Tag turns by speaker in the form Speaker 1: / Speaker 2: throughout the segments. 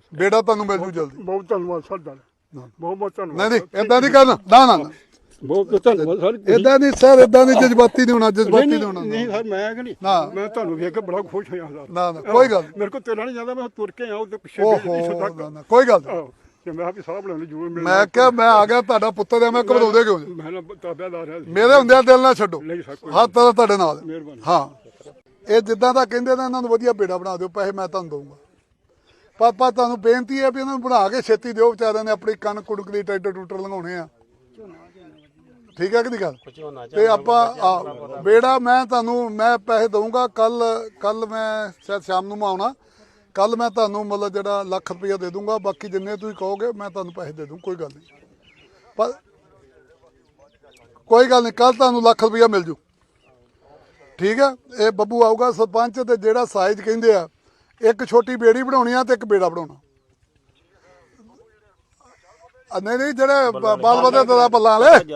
Speaker 1: ਬੇੜਾ ਤੁਹਾਨੂੰ ਮਿਲ ਜੂ ਜਲਦੀ।
Speaker 2: ਬਹੁਤ ਧੰਨਵਾਦ ਸਰ ਦਾ, ਬਹੁਤ ਬਹੁਤ ਧੰਨਵਾਦ।
Speaker 1: ਨਹੀਂ ਇਦਾਂ ਨਹੀਂ ਕਰਨਾ, ਨਾ ਨਾ
Speaker 2: ਬਹੁਤ ਧੰਨਵਾਦ ਸਰ।
Speaker 1: ਇਦਾਂ ਨਹੀਂ ਸਰ, ਇਦਾਂ ਨਹੀਂ, ਜਜ਼ਬਾਤੀ ਨਹੀਂ ਹੋਣਾ, ਜਜ਼ਬਾਤੀ ਨਹੀਂ ਹੋਣਾ।
Speaker 2: ਨਹੀਂ ਸਰ ਮੈਂ ਕਿ ਨਹੀਂ, ਮੈਂ ਤੁਹਾਨੂੰ ਵੇਖ ਕੇ ਬੜਾ ਖੁਸ਼ ਹੋਇਆ ਸਰ।
Speaker 1: ਨਾ ਨਾ ਕੋਈ ਗੱਲ
Speaker 2: ਮੇਰੇ ਕੋਲ ਤੁਰਨਾ ਨਹੀਂ ਜਾਂਦਾ, ਮੈਂ ਤੁਰ ਕੇ ਆਉਂ ਤੇ ਪਿੱਛੇ
Speaker 1: ਕੋਈ ਗੱਲ ਨਹੀਂ।
Speaker 2: ਤੇ ਮੈਂ ਵੀ ਸਾਹ ਬਣਾਉਣੀ ਜ਼ਰੂਰ ਮਿਲ।
Speaker 1: ਮੈਂ ਕਿਹਾ ਮੈਂ ਆ ਗਿਆ ਤੁਹਾਡਾ ਪੁੱਤਰ ਆ, ਮੈਂ ਘਬਰਾਉਂਦੇ ਕਿਉਂ?
Speaker 2: ਮੈਂ ਨਾ ਤਾਬਿਆਦਾਰ ਹੈ
Speaker 1: ਮੇਰੇ ਹੁੰਦਿਆਂ ਦਿਲ ਨਾ ਛੱਡੋ,
Speaker 2: ਨਹੀਂ ਸਰ ਕੋਈ
Speaker 1: ਹਰ ਤਰ੍ਹਾਂ ਤੁਹਾਡੇ ਨਾਲ।
Speaker 2: ਮਿਹਰਬਾਨੀ।
Speaker 1: ਹਾਂ ਇਹ ਜਿੱਦਾਂ ਦਾ ਕਹਿੰਦੇ ਨੇ ਇਹਨਾਂ ਨੂੰ ਵਧੀਆ ਬੇੜਾ ਬਣਾ ਦਿਓ, ਪੈਸੇ ਮੈਂ ਤੁਹਾਨੂੰ ਦਊਂਗਾ। ਪਾਪਾ ਤੁਹਾਨੂੰ ਬੇਨਤੀ ਹੈ ਵੀ ਇਹਨਾਂ ਨੂੰ ਬਣਾ ਕੇ ਛੇਤੀ ਦਿਓ, ਵਿਚਾਰਿਆਂ ਨੇ ਆਪਣੀ ਕਣਕ ਕੁੜਕ ਦੀ ਟਰੈਕਟਰ ਟੂਟਰ ਲੰਘਾਉਣੇ ਆ। ਠੀਕ ਹੈ ਕਿ ਨਹੀਂ ਗੱਲ? ਤੇ ਆਪਾਂ ਬੇੜਾ ਮੈਂ ਤੁਹਾਨੂੰ ਮੈਂ ਪੈਸੇ ਦਊਂਗਾ। ਕੱਲ ਮੈਂ ਸ਼ਾਇਦ ਸ਼ਾਮ ਨੂੰ ਆਉਣਾ, ਕੱਲ ਮੈਂ ਤੁਹਾਨੂੰ ਮਤਲਬ ਜਿਹੜਾ ਲੱਖ ਰੁਪਈਆ ਦੇ ਦੂੰਗਾ। ਬਾਕੀ ਜਿੰਨੇ ਤੁਸੀਂ ਕਹੋਗੇ ਮੈਂ ਤੁਹਾਨੂੰ ਪੈਸੇ ਦੇ ਦੂੰ, ਕੋਈ ਗੱਲ ਨਹੀਂ। ਪਰ ਕੋਈ ਗੱਲ ਨਹੀਂ, ਕੱਲ ਤੁਹਾਨੂੰ ਲੱਖ ਰੁਪਈਆ ਮਿਲ ਜੂ। ਠੀਕ ਹੈ, ਇਹ ਬੱਬੂ ਆਊਗਾ ਸਰਪੰਚ, ਤੇ ਜਿਹੜਾ ਸਾਈਜ਼ ਕਹਿੰਦੇ ਆ, ਇੱਕ ਛੋਟੀ ਬੇੜੀ ਬਣਾਉਣੀ ਆ ਤੇ ਇੱਕ ਬੇੜਾ ਬਣਾਉਣਾ। ਨਹੀਂ ਨਹੀਂ ਜਿਹੜੇ ਬਾਲ ਵਧੇ ਦਾ ਬੱਲਾਂ ਵਾਲੇ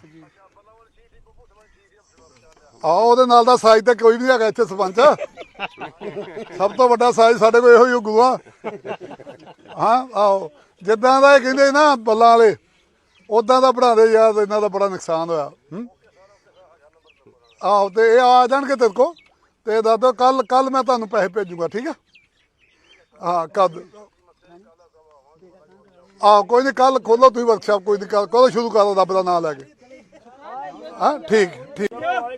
Speaker 1: ਆਓ, ਉਹਦੇ ਨਾਲ ਦਾ ਸਾਈਜ਼ ਤਾਂ ਕੋਈ ਵੀ ਨਹੀਂ ਹੈਗਾ ਇੱਥੇ ਸਰਪੰਚ। ਸਭ ਤੋਂ ਵੱਡਾ ਸਾਈਜ਼ ਸਾਡੇ ਕੋਲ ਇਹੋ ਹੀ ਗੁਆ। ਹਾਂ ਆਓ, ਜਿੱਦਾਂ ਦਾ ਇਹ ਕਹਿੰਦੇ ਨਾ ਬੱਲਾਂ ਵਾਲੇ, ਉਦਾਂ ਦਾ ਬਣਾ ਦੇ ਯਾਰ, ਇਹਨਾਂ ਦਾ ਬੜਾ ਨੁਕਸਾਨ ਹੋਇਆ। ਆਹੋ ਤੇ ਇਹ ਆ ਜਾਣਗੇ ਤੇਰੇ ਕੋਲ, ਤੇ ਦੱਸ ਦਿਓ ਕੱਲ ਮੈਂ ਤੁਹਾਨੂੰ ਪੈਸੇ ਭੇਜੂਗਾ। ਠੀਕ ਹੈ, ਹਾਂ ਕਦ ਆਹੋ ਕੋਈ ਨਹੀਂ, ਕੱਲ ਖੋਲੋ ਤੁਸੀਂ ਵਰਕਸ਼ਾਪ, ਕੋਈ ਨਹੀਂ, ਕਦੋਂ ਸ਼ੁਰੂ ਕਰੋ ਰੱਬ ਦਾ ਨਾਂ ਲੈ ਕੇ। ਹਾਂ ਠੀਕ ਠੀਕ।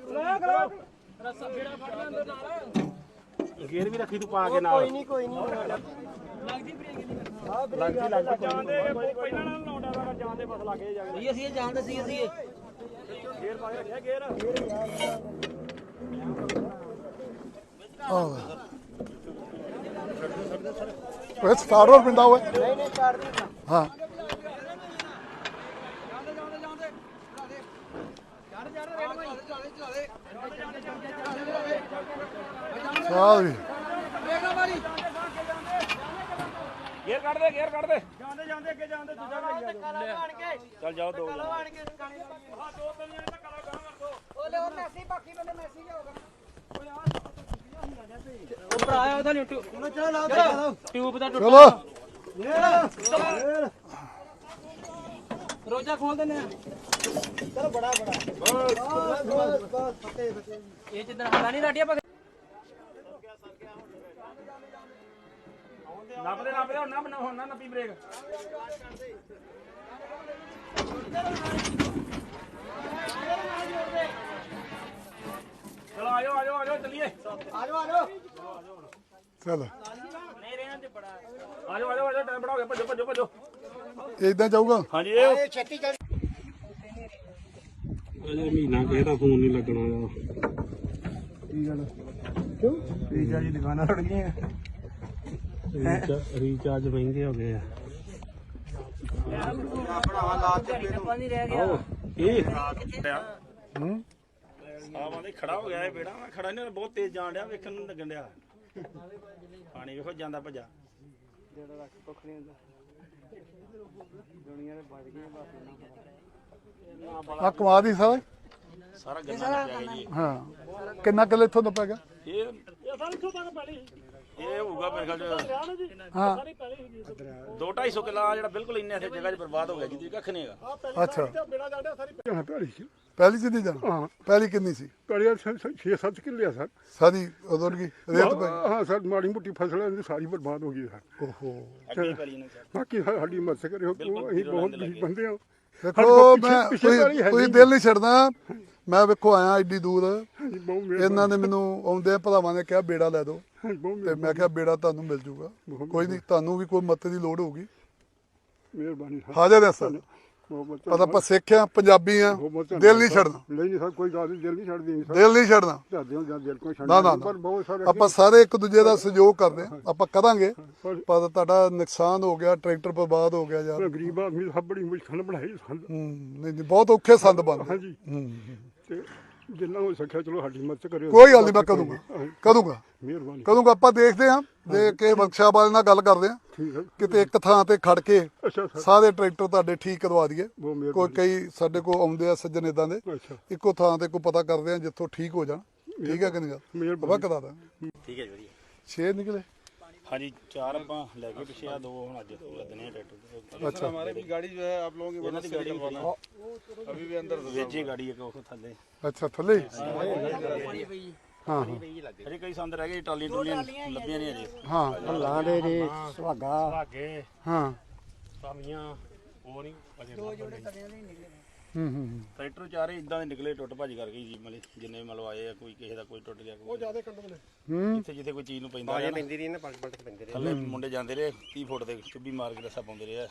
Speaker 3: ਗੇਰ ਵੀ ਰੱਖੀ ਤੂੰ ਪਾ ਕੇ ਨਾਲ।
Speaker 4: ਕੋਈ ਨਹੀਂ
Speaker 3: ਲੱਗਦੀ ਜਾਂਦੇ ਪਹਿਲਾਂ ਨਾਲ ਲਾਉਂਦਾ ਦਾ ਜਾਂਦੇ ਬਸ ਲੱਗੇ ਜਾਂਦੇ।
Speaker 4: ਅਸੀਂ ਇਹ ਜਾਣਦੇ ਸੀ ਅਸੀਂ ਇਹ
Speaker 3: ਗੇਰ ਪਾ ਕੇ ਰੱਖਿਆ ਗੇਰ।
Speaker 1: ਇਹ ਸਟਾਰਟ ਹੋਰ ਪਿੰਡਾ ਹੋਇਆ।
Speaker 4: ਨਹੀਂ ਸਟਾਰਟ ਨਹੀਂ।
Speaker 1: ਹਾਂ ਚੱਲ ਵੀ
Speaker 3: ਗੇਰ ਕੱਢ ਦੇ, ਗੇਰ ਕੱਢ ਦੇ। ਜਾਂਦੇ ਜਾਂਦੇ ਅੱਗੇ ਜਾਂਦੇ ਦੂਜਾ ਵੀ ਚੱਲ ਜਾਓ ਦੋ ਜਣੇ। ਹਾਂ ਦੋ ਤਿੰਨ ਜਣੇ ਧੱਕਾ ਲਾ ਗਾਂ ਕਰ ਦੋ।
Speaker 4: ਉਹਲੇ ਉਹ ਮੈਸੀ ਬਾਕੀ ਬੰਦੇ ਮੈਸੀ ਜਾਊਗਾ। ਉਹ ਭਰਾ ਆਇਆ ਉਹਦਾ ਟਿਊਬ ਦਾ
Speaker 1: ਚਲੋ
Speaker 4: ਰੋਜਾ ਖੋਲ ਦਿੰਦੇ ਆ। ਚਲੋ ਬੜਾ ਇਹ ਜਿੱਦਣ ਹਲਾ ਨਹੀਂ ਲਾਟਿਆ
Speaker 3: ਨੱਪਦੇ ਹੁਣ ਨਾ ਨੱਪੀ ਬ੍ਰੇਕ। ਚਲੋ ਆਜੋ ਚੱਲੀਏ।
Speaker 4: ਆਜੋ
Speaker 1: ਚੱਲ
Speaker 3: ਨਹੀਂ ਰਹਿਣਾ ਤੇ ਬੜਾ। ਆਜੋ ਟਾਈਮ ਬੜਾ ਹੋ ਗਿਆ, ਭੱਜੋ।
Speaker 1: ਇਦਾਂ ਜਾਊਗਾ।
Speaker 3: ਹਾਂਜੀ ਇਹ
Speaker 4: ਛੇਤੀ ਚੱਲ।
Speaker 3: ਅਜੇ ਮਹੀਨਾ ਕਿਸੇ ਦਾ ਫੋਨ ਨਹੀਂ ਲੱਗਣਾ।
Speaker 1: ਕੀ ਗੱਲ
Speaker 3: ਕਿਉਂ? ਰੀਚਾਰਜ ਦੀ ਦੁਕਾਨਾਂ ਰੁੜ ਗਈਆਂ। ਰੀਚਾਰਜ ਮਹਿੰਗੇ ਹੋ ਗਏ ਆ।
Speaker 4: ਨਹੀਂ ਰਹਿ ਗਿਆ।
Speaker 3: ਇਹ ਆਵਾਂ ਦੇ ਖੜਾ ਹੋ ਗਿਆ ਇਹ ਬੇੜਾ। ਮੈਂ ਖੜਾ ਨਹੀਂ, ਬਹੁਤ ਤੇਜ਼ ਜਾਣ ਡਿਆ, ਵੇਖਣ ਨੂੰ ਲੱਗਣ ਡਿਆ। ਪਾਣੀ ਵੇਖੋ ਜਾਂਦਾ ਭੱਜਾ।
Speaker 1: ਆ ਕਮਾ ਦੀ ਸਾਰਾ
Speaker 3: ਸਾਰਾ ਗੰਨਾ ਪਿਆ ਜੀ।
Speaker 1: ਹਾਂ ਕਿੰਨਾ ਕਿੱਲੇ ਇੱਥੋਂ ਦਾ ਪੈ ਗਿਆ?
Speaker 3: ਇਹ ਹੋਊਗਾ ਮੇਰੇ ਖਿਆਲ ਚ
Speaker 1: ਹਾਂ
Speaker 3: 2-250 ਕਿੱਲਾ ਜਿਹੜਾ ਬਿਲਕੁਲ ਇੰਨੇ ਇੱਥੇ ਜਗ੍ਹਾ 'ਚ ਬਰਬਾਦ ਹੋ ਗਿਆ, ਜਿਹਦੀ ਕੱਖ ਨਹੀਂ ਹੈਗਾ।
Speaker 1: ਅੱਛਾ
Speaker 2: ਭੈੜੀ ਸੀ।
Speaker 1: ਪਹਿਲੀ ਚ ਨਹੀਂ ਜਾਣਾ।
Speaker 2: ਹਾਂ
Speaker 1: ਪਹਿਲੀ ਕਿੰਨੀ ਸੀ?
Speaker 2: ਭੈੜੀ 6-7 ਕਿੱਲੇ ਆ ਸਰ।
Speaker 1: ਸਾਰੀ ਉਦੋਂ ਕੀ ਰੇਤ ਪੈ ਗਈ?
Speaker 2: ਹਾਂ ਸਰ, ਮਾੜੀ ਮੋਟੀ ਫਸਲ ਇਹਦੀ ਸਾਰੀ ਬਰਬਾਦ ਹੋ ਗਈ ਸਰ।
Speaker 1: ਓਹੋ
Speaker 3: ਅੱਗੇ ਪੈਲੀ ਨੇ ਸਰ।
Speaker 2: ਬਾਕੀ ਸਾਡੀ ਮਦਦ ਕਰਿਓ, ਅਸੀਂ ਬਹੁਤ ਗਰੀਬ ਬੰਦੇ ਹਾਂ।
Speaker 1: ਦੇਖੋ ਮੈਂ ਤੁਸੀਂ ਦਿਲ ਨਹੀਂ ਛੱਡਦਾ। ਮੈਂ ਵੇਖੋ ਆਇਆ ਐਡੀ ਦੂਰ, ਇਹਨਾਂ ਨੇ ਮੈਨੂੰ ਆਉਂਦੇ ਭਰਾਵਾਂ ਨੇ ਕਿਹਾ ਬੇੜਾ ਲੈ ਦਿਓ, ਤੇ ਮੈਂ ਕਿਹਾ ਬੇੜਾ ਤੁਹਾਨੂੰ ਮਿਲ ਜੂਗਾ। ਕੋਈ ਨਹੀਂ, ਤੁਹਾਨੂੰ ਵੀ ਕੋਈ ਮਦਦ ਦੀ ਲੋੜ ਹੋਊਗੀ।
Speaker 2: ਮਿਹਰਬਾਨੀ ਸਰ।
Speaker 1: ਹਾਜ਼ਰ ਹੈ ਸਰ। ਪਤਾ ਆਪਾਂ ਸਿੱਖ ਆ, ਪੰਜਾਬੀ ਆ, ਦਿਲ ਨਹੀਂ ਛੱਡਣਾ।
Speaker 2: ਨਹੀਂ ਸਰ, ਕੋਈ ਗੱਲ ਨਹੀਂ, ਦਿਲ ਨਹੀਂ ਛੱਡਦੀ।
Speaker 1: ਦਿਲ ਨਹੀਂ ਛੱਡਣਾ।
Speaker 2: ਦਿਲ ਕੋਈ
Speaker 1: ਨਾ ਨਾ
Speaker 2: ਪਰ ਬਹੁਤ ਸਾਰੇ
Speaker 1: ਆਪਾਂ ਸਾਰੇ ਇੱਕ ਦੂਜੇ ਦਾ ਸਹਿਯੋਗ ਕਰਦੇ ਆ, ਆਪਾਂ ਕਰਾਂਗੇ। ਪਰ ਤੁਹਾਡਾ ਨੁਕਸਾਨ ਹੋ ਗਿਆ, ਟਰੈਕਟਰ ਬਰਬਾਦ ਹੋ ਗਿਆ ਯਾਰ।
Speaker 2: ਗਰੀਬ ਆਦਮੀ ਸਭ ਬੜੀ ਮੁਸ਼ਕਲ ਬਣਾਈ ਸੰਦ।
Speaker 1: ਨਹੀਂ ਬਹੁਤ ਔਖੇ ਸੰਦ ਬਣਦੇ।
Speaker 2: ਹਾਂਜੀ ਤੇ ਜਿੰਨਾ ਹੋ ਸਕਿਆ ਚਲੋ ਸਾਡੀ ਮਦਦ ਕਰਿਓ।
Speaker 1: ਕੋਈ ਗੱਲ ਨਹੀਂ, ਮੈਂ ਕਰੂੰਗਾ।
Speaker 2: ਮਿਹਰਬਾਨੀ।
Speaker 1: ਆਪਾਂ ਦੇਖਦੇ ਹਾਂ, ਜੇ ਕਿਸੇ ਵਰਕਸ਼ਾਪ ਵਾਲੇ ਨਾਲ ਗੱਲ ਕਰਦੇ ਆ,
Speaker 2: ਠੀਕ ਹੈ।
Speaker 1: ਕਿਤੇ ਇੱਕ ਥਾਂ ਤੇ ਖੜ ਕੇ
Speaker 2: ਅੱਛਾ ਸਰ।
Speaker 1: ਸਾਰੇ ਟਰੈਕਟਰ ਤੁਹਾਡੇ ਠੀਕ ਕਰਵਾ ਦਈਏ।
Speaker 2: ਬਹੁਤ ਮਿਹਰਬਾਨੀ।
Speaker 1: ਕੋਈ ਕਈ ਸਾਡੇ ਕੋਲ ਆਉਂਦੇ ਆ ਸੱਜਣ ਇਦਾਂ ਦੇ,
Speaker 2: ਅੱਛਾ
Speaker 1: ਇੱਕੋ ਥਾਂ ਤੇ ਕੋਈ ਪਤਾ ਕਰਦੇ ਆ ਜਿੱਥੋਂ ਠੀਕ ਹੋ ਜਾਣ। ਠੀਕ ਹੈ ਕਿ ਨਹੀਂ ਗੱਲ?
Speaker 2: ਮਿਹਰਬਾਨੀ।
Speaker 1: ਕਰਾ ਦਾਂ।
Speaker 3: ਠੀਕ ਹੈ ਜੀ, ਵਧੀਆ।
Speaker 1: 6 ਨਿਕਲੇ।
Speaker 3: ਹਾਂਜੀ 4 ਆਪਾਂ ਲੈ ਕੇ ਪਿੱਛੇ ਆ 2 ਹੁਣ ਅੱਜ ਲੱਦਨੇ ਆ ਟਰੈਕਟਰ
Speaker 1: अच्छा
Speaker 5: हमारे भी गाड़ी जो है आप लोगों की
Speaker 3: ਇਹਨਾਂ ਦੀ ਗਾੜੀ
Speaker 5: निकलवाना अभी भी अंदर
Speaker 3: ਵੇਚੀ ਗਾੜੀ ਇੱਕ ਉਹ ਥੱਲੇ
Speaker 1: अच्छा थले हाँ हाँ
Speaker 3: ਅਜੇ ਕਈ ਸੰਦ ਰਹਿ ਗਏ ਟਾਲੀਆਂ ਟੁਲੀਆਂ ਲੱਭੀਆਂ ਨਹੀਂ ਅਜੇ
Speaker 1: हाँ
Speaker 2: ਲਾਂਦੇ ਦੇ ਸੁਹਾਗਾ
Speaker 4: ਭਾਗੇ
Speaker 1: हाँ
Speaker 4: ਸਾਮੀਆਂ ਉਹ ਨਹੀਂ ਅਜੇ
Speaker 3: ਟਰੈਕਟਰ ਚਾਰੇ ਇਦਾਂ ਦੇ ਨਿਕਲੇ ਟੁੱਟ ਭੱਜ ਕਰ ਗਈ ਜੀ ਮਤਲਬ ਜਿੰਨੇ ਮਤਲਬ ਆਏ ਆ ਕੋਈ ਕਿਸੇ ਦਾ ਕੋਈ ਟੁੱਟ ਗਿਆ ਕੋਈ
Speaker 2: ਜਿਆਦਾ ਕੰਡਮ ਨੇ
Speaker 3: ਜਿੱਥੇ ਜਿੱਥੇ ਕੋਈ ਚੀਜ਼ ਨੂੰ ਪੈਂਦਾ ਹੈ
Speaker 5: ਪੈਂਦੀ ਰਹੀ ਨਾ ਪਲਟ ਪਲਟ ਪੈਂਦੇ ਰਹੇ
Speaker 3: ਥੱਲੇ ਮੁੰਡੇ ਜਾਂਦੇ ਰਹੇ 30 ਫੁੱਟ ਦੇ ਚੁੱਭੀ ਮਾਰ ਕੇ ਰੱਸਾ ਪਾਉਂਦੇ ਰਹੇ ਆ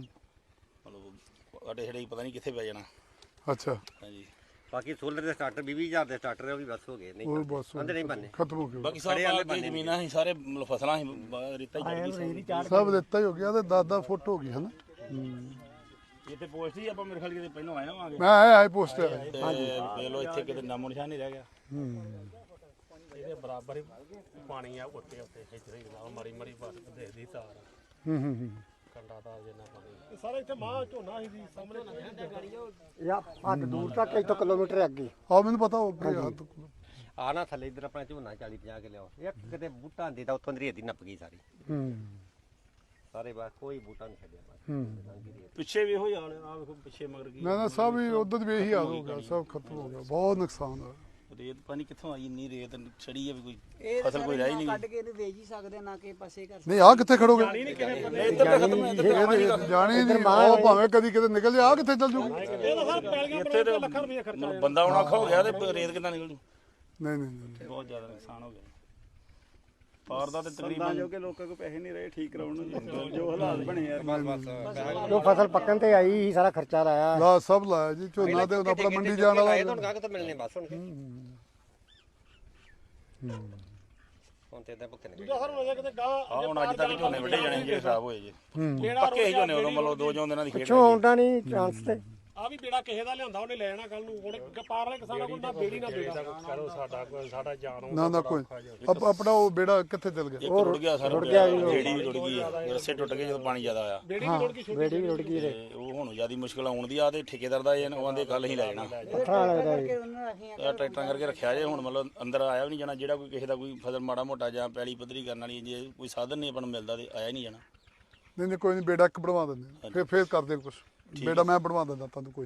Speaker 3: ਮਤਲਬ ਅੜੇ ਛੜੇ ਪਤਾ ਨਹੀਂ ਕਿੱਥੇ ਪੈ ਜਾਣਾ
Speaker 1: अच्छा
Speaker 3: ਹਾਂਜੀ
Speaker 5: ਬਾਕੀ ਸੋਲਰ ਦੇ ਸਟਾਰਟਰ 20,000 ਦੇ ਸਟਾਰਟਰ ਉਹ ਵੀ ਬਸ ਹੋ ਗਏ ਨਹੀਂ
Speaker 1: वो बस
Speaker 5: ਅੰਦਰ ਨਹੀਂ ਬੰਨੇ
Speaker 1: खत्म हो गया
Speaker 3: ਬਾਕੀ ਸਾਰੇ ਆਲੇ ਜ਼ਮੀਨਾਂ ਸੀ ਸਾਰੇ ਮਤਲਬ ਫਸਲਾਂ ਸੀ ਰੇਤਾ ਹੀ ਚੜ ਗਈ
Speaker 1: सब देता ही हो गया तो 10-10 फुट हो गई है ना
Speaker 3: ਇੱਥੇ ਪੋਸਟ ਹੀ ਆਪਾਂ ਮੇਰੇ ਖਿਆਲ ਕਿਤੇ ਪਹਿਲਾਂ ਆਏ ਹੋਵਾਂਗੇ
Speaker 1: मैं आया आई पोस्ट है
Speaker 3: ਦੇਖ ਲਓ ਇੱਥੇ ਕਿਤੇ ਨਾਮੋ ਨਿਸ਼ਾਨ ਨਹੀਂ ਰਹਿ ਗਿਆ
Speaker 4: ਇਹਦੇ ਬਰਾਬਰ ਹੀ ਪਾਣੀ ਆ ਉੱਤੇ ਇੱਧਰ ਹੀ ਲਾ ਮਰੀ ਮਰੀ ਬਸ ਦੇਖਦੀ ਤਾਰ ਕੰਡਾ ਤਾਰ ਜਿੰਨਾ ਪਾਣੀ
Speaker 2: ਸਾਰੇ ਇੱਥੇ ਮਾਂ ਝੋਨਾ ਸੀ ਜੀ ਸਾਹਮਣੇ ਯਾ ਹੱਦ ਦੂਰ ਤੱਕ 1 ਕਿਲੋਮੀਟਰ ਅੱਗੇ
Speaker 1: आओ मैंने पता हो गया
Speaker 5: ਆ ਨਾ ਥੱਲੇ ਇੱਧਰ ਆਪਣਾ ਝੋਨਾ 40-50 ਕੇ ਲਿਆਓ ਇੱਕ ਕਿਤੇ ਬੂਟਾ ਹੁੰਦੀ ਤਾਂ ਉੱਥੋਂ ਦੀ ਰੇਤ ਹੀ ਨੱਪ ਗਈ ਸਾਰੀ ਸਾਰੇ ਬਾਅਦ ਕੋਈ ਬੂਟਾ ਨਹੀਂ ਛੱਡਿਆ ਬਸ
Speaker 3: ਪਿੱਛੇ ਵੀ ਇਹੋ ਹੀ ਹਾਲ ਆ ਵੇਖੋ ਪਿੱਛੇ ਮਗਰ ਕੀ
Speaker 1: मैं सब ही उधर भी यही हाल हो गया सब खत्म हो गया बहुत नुकसान है
Speaker 3: ਰੇਤ ਪਾਣੀ ਕਿੱਥੋਂ ਆਈ ਇੰਨੀ ਰੇਤ ਛੜੀ ਆ ਵੀ ਕੋਈ ਫਸਲ ਕੋਈ ਰਹੀ ਨਹੀਂ
Speaker 6: ਕੱਢ ਕੇ ਇਹਨੂੰ ਵੇਚ ਹੀ ਸਕਦੇ ਨਾ ਕਿ ਪਾਸੇ ਕਰ
Speaker 1: नहीं आ कितने खड़ोगे
Speaker 3: ਇੱਧਰ ਤਾਂ ਖਤਮ ਹੈ ਇੱਧਰ
Speaker 1: जानी नहीं ओ भावे कदी किते निकल जा कितने चल जूगी
Speaker 3: ਇੱਥੇ ਤੇ ਮਤਲਬ ਬੰਦਾ ਹੁਣ ਔਖਾ ਹੋ ਗਿਆ ਤੇ ਰੇਤ ਕਿੱਦਾਂ ਨਿਕਲ ਜੂ
Speaker 1: नहीं नहीं
Speaker 3: ਬਹੁਤ ਜ਼ਿਆਦਾ ਨੁਕਸਾਨ ਹੋ ਗਿਆ ਪਾਰ ਦਾ ਤੇ ਤਕਰੀਬਨ
Speaker 5: ਜੋ ਕਿ ਲੋਕਾਂ ਕੋ ਪੈਸੇ ਨਹੀਂ ਰਹੇ ਠੀਕ ਕਰਾਉਣ ਨੂੰ ਜੋ ਹਾਲਾਤ ਬਣੇ ਯਾਰ ਬਸ
Speaker 2: ਜੋ ਫਸਲ ਪੱਕਣ ਤੇ ਆਈ ਸੀ ਸਾਰਾ ਖਰਚਾ ਲਾਇਆ
Speaker 1: ला सब लाया जी झोना ते अपना मंडी जाने वाला
Speaker 5: ਤੁਹਾਨੂੰ ਕਾਹ ਤੋਂ ਮਿਲਨੇ ਬਸ ਹੁਣ ਹੁਣ ਤੇ ਇਦਾਂ ਭੁੱਖੇ ਨੇ
Speaker 2: ਸਰ ਹੁਣ ਕਿਤੇ ਗਾਂ
Speaker 3: ਆ ਹੁਣ ਅੱਜ ਤੱਕ ਝੋਨੇ ਵੱਢੇ ਜਾਣੇ ਜਿਹੜੇ ਖਰਾਬ ਹੋਏ ਜੇ ਪੱਕੇ ਹੀ ਝੋਨੇ ਉਦੋਂ ਮਤਲਬ 2 ਦਿਨਾਂ ਦੀ ਖੇਡ
Speaker 2: ਪਿੱਛੋਂ ਆਉਂਦਾ ਨਹੀਂ ਚਾਂਸ ਤੇ
Speaker 7: ਆ ਵੀ ਬੇੜਾ ਕਿਸੇ ਦਾ ਲਿਆਂਦਾ ਉਹਨੇ ਲੈ ਜਾਣਾ ਕੱਲ ਨੂੰ ਹੁਣ ਪਾਰ ਵਾਲੇ ਕਿਸਾਨਾਂ ਕੋਲ ਨਾ ਬੇੜੀ ਨਾ ਬੇੜਾ
Speaker 4: ਕਰੋ ਸਾਡਾ ਜਾਨ
Speaker 1: ना ना कोई अब अपना वो बेड़ा कितने चल गया
Speaker 3: ਇੱਕ ਰੁੜ ਗਿਆ ਸਾਰਾ ਜਿਹੜੀ ਵੀ ਰੁੜ ਗਈ ਆ ਰੱਸੇ ਟੁੱਟ ਗਏ ਜਦੋਂ ਪਾਣੀ ਜ਼ਿਆਦਾ ਆਇਆ
Speaker 7: ਬੇੜੀ ਵੀ ਲੋੜ ਕੀ
Speaker 2: ਬੇੜੀ ਵੀ ਰੁੜ ਗਈ ਰੇ
Speaker 3: ਤੇ ਉਹ ਹੁਣ ਜਿਆਦੀ ਮੁਸ਼ਕਲ ਆਉਣ ਦੀ ਆ ਤੇ ਠੇਕੇਦਾਰ ਦਾ ਇਹ ਆਂਦੇ ਕੱਲ ਹੀ ਲੈ ਜਾਣਾ
Speaker 2: ਪੱਥਰਾਂ ਲੱਗਦਾ ਜੀ
Speaker 6: ਉਹਨਾਂ ਰੱਖੀਆਂ
Speaker 3: ਇਹ ਟਰੈਕਟਰਾਂ ਕਰਕੇ ਰੱਖਿਆ ਜੇ ਹੁਣ ਮਤਲਬ ਅੰਦਰ ਆਇਆ ਵੀ ਨਹੀਂ ਜਾਣਾ ਜਿਹੜਾ ਕੋਈ ਕਿਸੇ ਦਾ ਕੋਈ ਫਸਲ ਮਾੜਾ ਮੋਟਾ ਜਾਂ ਪੈਲੀ ਪੱਧਰੀ ਕਰਨ ਵਾਲੀ ਜੇ ਕੋਈ ਸਾਧਨ ਨਹੀਂ ਆਪਾਂ ਨੂੰ ਮਿਲਦਾ ਤੇ ਆਇਆ ਨਹੀਂ ਜਾਣਾ
Speaker 1: नहीं नहीं कोई नहीं बेड़ा एक बनवा देंगे फिर कर दे कुछ बेड़ा मैं बनवा देता तुम कोई